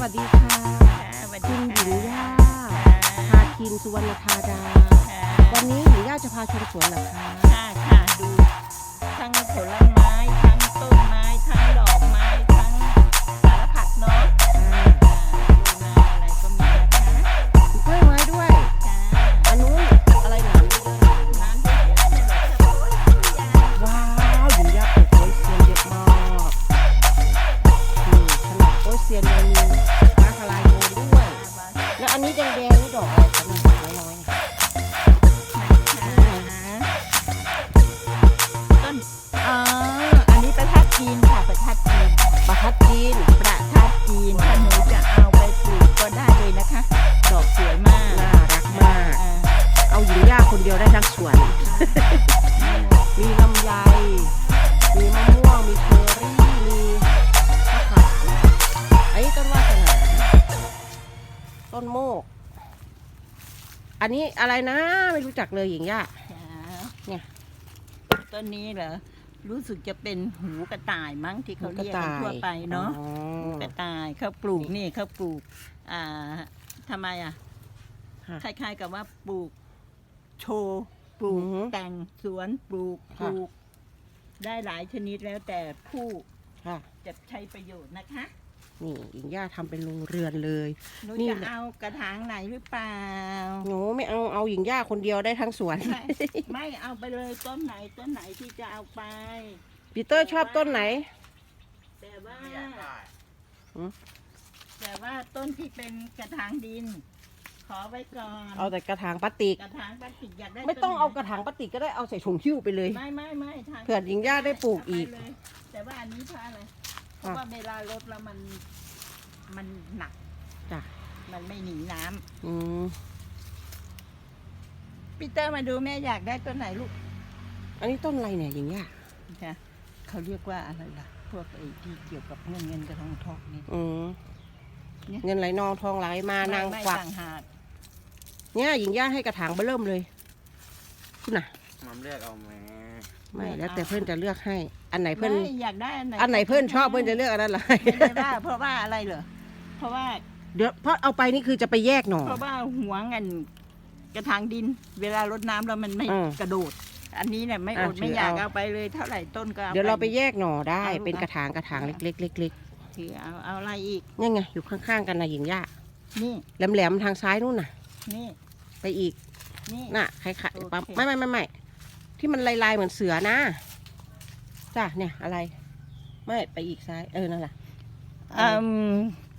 วัสดีค่ะสวัสคุดีณหญิงย่าค่ะพาคินสุวรรณธาดาวันนี้หญิงย่าจะพาชมสวนเหรอคะค่ะดูทั้งผลไม้ทั้งต้นไม้ทั้งดอกไม้ทั้งสารพัดเนาะดูนาอะไรก็มีนะคะมีกล้วยไม้ด้วยจ้าอันนู้นอะไรหนามน้ำเยอะๆเนี่ยเหรอคะโอ้ยใหญ่ว้าวหญิงย่าปลูกโป๊ยเซียนเยอะมากนี่ขนาดโป๊ยเซียนยังมีฟ้าทลายโจรด้วยแล้วอันนี้แดงๆนี่ดอกอะไรคะเนี่ยน้อยๆเนี่ยต้นอันนี้ประทัดจีนค่ะประทัดจีนประทัดจีนประทัดจีนถ้าหนูจะเอาไปปลูกก็ได้เลยนะคะ ดอกสวยมากน่ารักมากเอาหญิงย่าคนเดียวได้ทั้งสวน มีลำไยมีมะม่วงมีเชอร์รี่มีมะขามอันนี้ต้นวาสนาต้นโมกอันนี้อะไรนะไม่รู้จักเลยหญิงย่า เนี่ยต้นนี้เหรอรู้สึกจะเป็นหูกระต่ายมั้งที่เขาเรียกกันทั่วไปเนาะหูกระต่ายเขาปลูกนี่เขาปลูกทำไมคล้ายๆกับว่าปลูกโชว์ปลูกแต่งสวนปลูกได้หลายชนิดแล้วแต่ผู้จะใช้ประโยชน์นะคะนี่หญิงย่าทำเป็นโรงเรือนเลยหนูจะเอากระถางไหนหรือเปล่าหนูไม่เอาหญิงย่าคนเดียวได้ทั้งสวนไม่เอาไปเลยต้นไหนที่จะเอาไปปีเตอร์ชอบต้นไหนแต่ว่าต้นที่เป็นกระถางดินขอไว้ก่อนเอาแต่กระถางพลาสติกอยากได้ไม่ต้องเอากระถางพลาสติกก็ได้เอาใส่ถุงหิ้วไปเลยไม่เผื่อหญิงย่าได้ปลูกอีกแต่ว่าอันนี้เพราะอะไรเพราะว่าเวลารดแล้วมันหนักจ้ะมันไม่หนีน้ำปีเตอร์มาดูแม่อยากได้ต้นไหนลูกอันนี้ต้นอะไรเนี่ยหญิงย่าเขาเรียกว่าอะไรล่ะพวกไอ้ที่เกี่ยวกับเงินกับทองนี่เงินไหลนองทองไหลมานางกวักเนี่ยหญิงย่าให้กระถางเบิ่มเลยคุณน่ะน้ำเลือกเอาไหมไม่แล้วแต่เพื่อนจะเลือกให้อันไหนเพื่อนอยากได้อันไหนเพื่อนชอบเพื่อนจะเลือกอันนั้นเลยไม่ได้ว่าเพราะว่าอะไรเหรอเพราะว่าเดี๋ยวเพราะเอาไปนี่คือจะไปแยกหน่อเพราะว่าหัวเงินกระถางดินเวลารดน้ำแล้วมันไม่กระโดดอันนี้เนี่ยไม่อดไม่อยากเอาไปเลยเท่าไหร่ต้นก็เดี๋ยวเราไปแยกหน่อได้เป็นกระถางเล็กคือเอาอะไรอีกนี่ไงอยู่ข้างๆกันนะหญิงย่านี่แหลมๆทางซ้ายนู่นน่ะนี่ไปอีกนี่น่ะใครๆปั๊มไม่ที่มันลายเหมือนเสือนะจ้ะเนี่ยอะไรไม่ไปอีกซ้ายนั่นแหละ